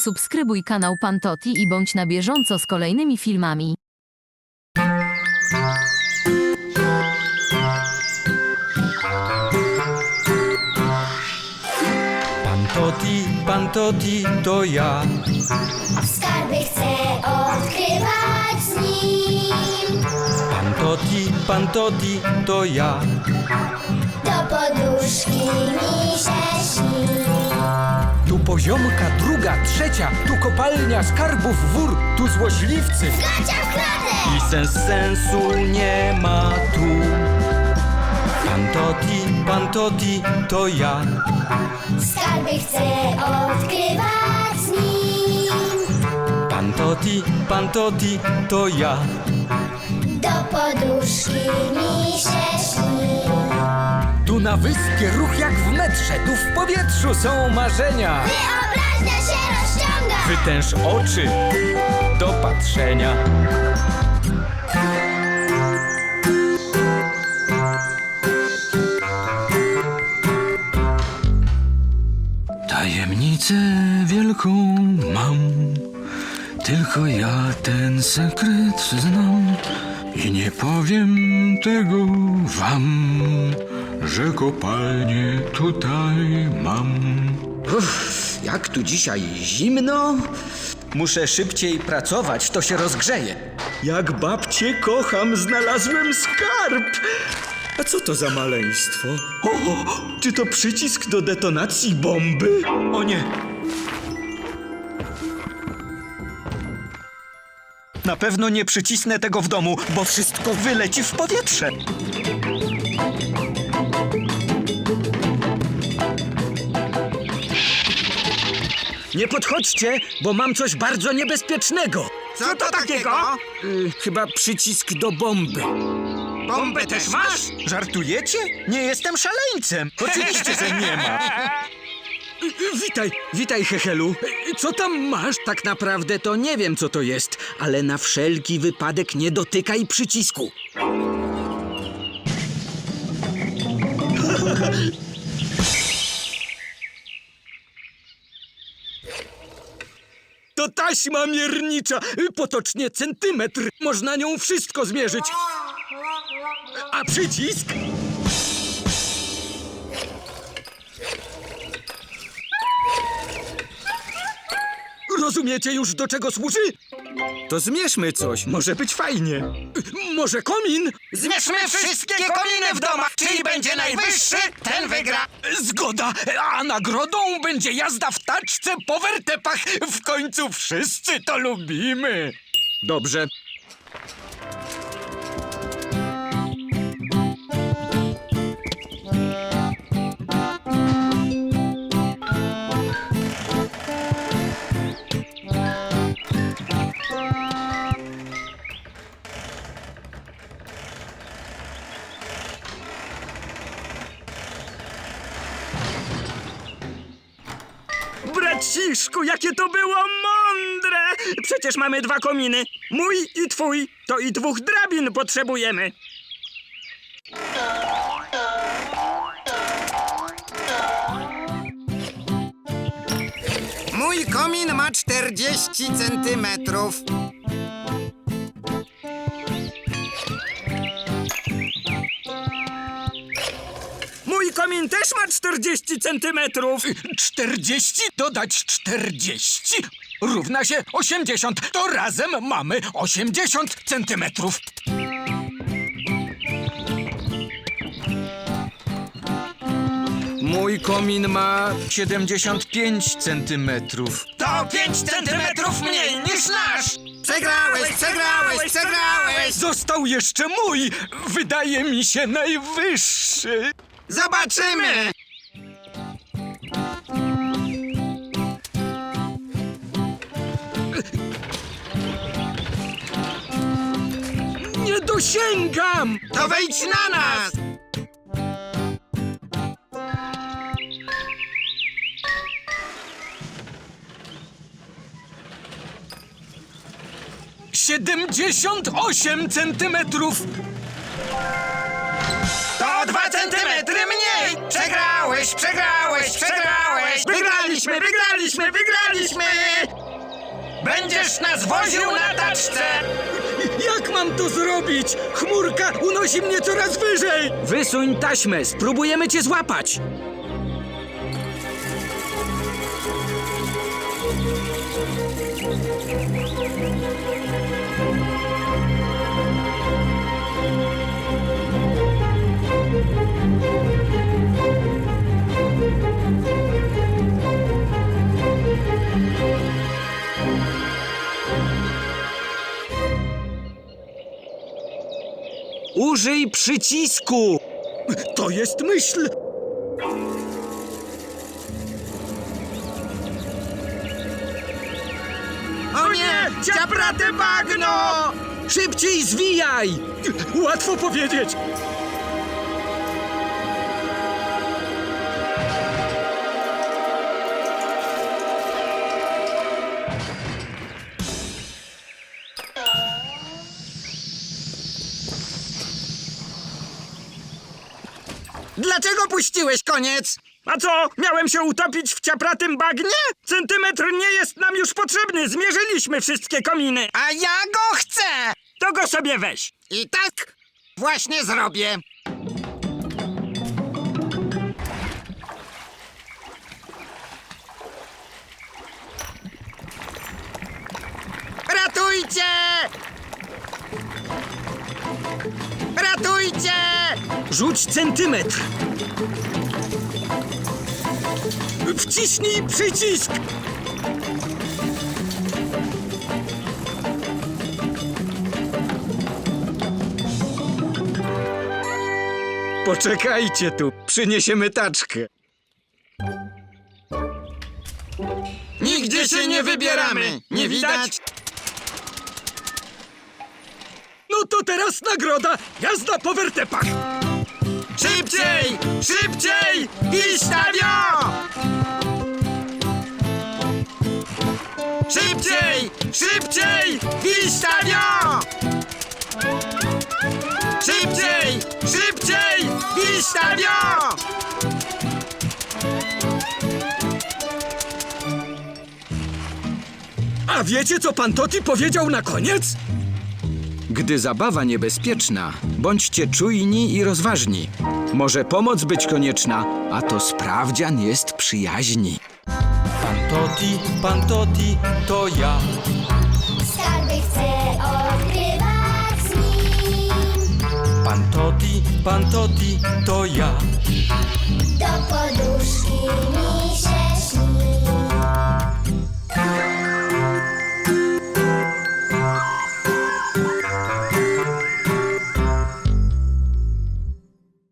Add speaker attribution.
Speaker 1: Subskrybuj kanał Pan Toti i bądź na bieżąco z kolejnymi filmami.
Speaker 2: Pan Toti, to ja.
Speaker 3: Skarby chcę odkrywać z nim.
Speaker 2: Pan Toti, to ja.
Speaker 3: Do poduszki mi się śni.
Speaker 2: Tu poziomka, druga, trzecia, tu kopalnia skarbów wór, tu złośliwcy.
Speaker 3: Gacia w klatę!
Speaker 2: I sensu nie ma tu. Pan Toti, to ja.
Speaker 3: Skarby chcę odkrywać z nim.
Speaker 2: Pan Toti, to ja.
Speaker 3: Do poduszki mi się śni.
Speaker 2: Tu na wyspie ruch jak w metrze, tu w powietrzu są marzenia.
Speaker 3: Wyobraźnia się rozciąga.
Speaker 2: Wytęż oczy do patrzenia.
Speaker 4: Tajemnicę wielką mam, tylko ja ten sekret znam i nie powiem tego wam, że kopalnię tutaj mam.
Speaker 5: Jak tu dzisiaj zimno?
Speaker 2: Muszę szybciej pracować, to się rozgrzeje.
Speaker 5: Jak babcię kocham, znalazłem skarb! A co to za maleństwo? O, czy to przycisk do detonacji bomby?
Speaker 2: O nie! Na pewno nie przycisnę tego w domu, bo wszystko wyleci w powietrze.
Speaker 5: Nie podchodźcie, bo mam coś bardzo niebezpiecznego.
Speaker 6: Co to takiego?
Speaker 5: Chyba przycisk do bomby.
Speaker 6: Bombę też masz?
Speaker 2: Żartujecie? Nie jestem szaleńcem. Oczywiście, że nie ma.
Speaker 5: Witaj, Hechelu. Co tam masz? Tak naprawdę to nie wiem, co to jest, ale na wszelki wypadek nie dotykaj przycisku. To taśma miernicza, potocznie centymetr. Można nią wszystko zmierzyć. A przycisk? Rozumiecie już, do czego służy? To zmierzmy coś, może być fajnie. Może komin?
Speaker 6: Zmierzmy wszystkie kominy w domach. Czyli będzie najwyższy, ten wygra.
Speaker 5: Zgoda, a nagrodą będzie jazda w taczce po wertepach. W końcu wszyscy to lubimy. Dobrze. Braciszku, jakie to było mądre! Przecież mamy 2 kominy. Mój i twój. To i 2 drabin potrzebujemy.
Speaker 6: Mój komin ma 40 centymetrów.
Speaker 5: Mój komin też ma 40 centymetrów. 40 dodać 40 równa się 80. To razem mamy 80 centymetrów. Mój komin ma 75 centymetrów.
Speaker 6: To 5 centymetrów mniej niż nasz. Przegrałeś.
Speaker 5: Został jeszcze mój. Wydaje mi się najwyższy.
Speaker 6: Zobaczymy.
Speaker 5: Nie dosięgam.
Speaker 6: To wejdź na nas.
Speaker 5: Siedemdziesiąt 8 centymetrów.
Speaker 6: To 2 centymetry mniej. Przegrałeś, przegrałeś, przegrałeś! Wygraliśmy, wygraliśmy, wygraliśmy! Będziesz nas woził na taczce!
Speaker 2: Jak mam to zrobić? Chmurka unosi mnie coraz wyżej! Wysuń taśmę, spróbujemy cię złapać! Użyj przycisku! To jest myśl!
Speaker 6: O nie! Ciaprate bagno!
Speaker 2: Szybciej zwijaj! Łatwo powiedzieć!
Speaker 6: Dlaczego puściłeś koniec?
Speaker 5: A co, miałem się utopić w ciapratym bagnie? Centymetr nie jest nam już potrzebny, zmierzyliśmy wszystkie kominy.
Speaker 6: A ja go chcę!
Speaker 5: To go sobie weź.
Speaker 6: I tak właśnie zrobię. Ratujcie! Ratujcie!
Speaker 2: Rzuć centymetr! Wciśnij przycisk!
Speaker 5: Poczekajcie tu, przyniesiemy taczkę.
Speaker 6: Nigdzie się nie wybieramy! Nie widać?
Speaker 2: No to teraz nagroda! Jazda po wertepach!
Speaker 6: Szybciej! Szybciej! Wistawio! Szybciej! Szybciej! Wistawio! Szybciej! Szybciej! Wistawio!
Speaker 2: A wiecie, co pan Toti powiedział na koniec? Gdy zabawa niebezpieczna, bądźcie czujni i rozważni. Może pomoc być konieczna, a to sprawdzian jest przyjaźni. Pan Toti, to ja.
Speaker 3: Skarby chcę odkrywać z nim.
Speaker 2: Pan Toti, to ja.
Speaker 3: Do poduszki mi się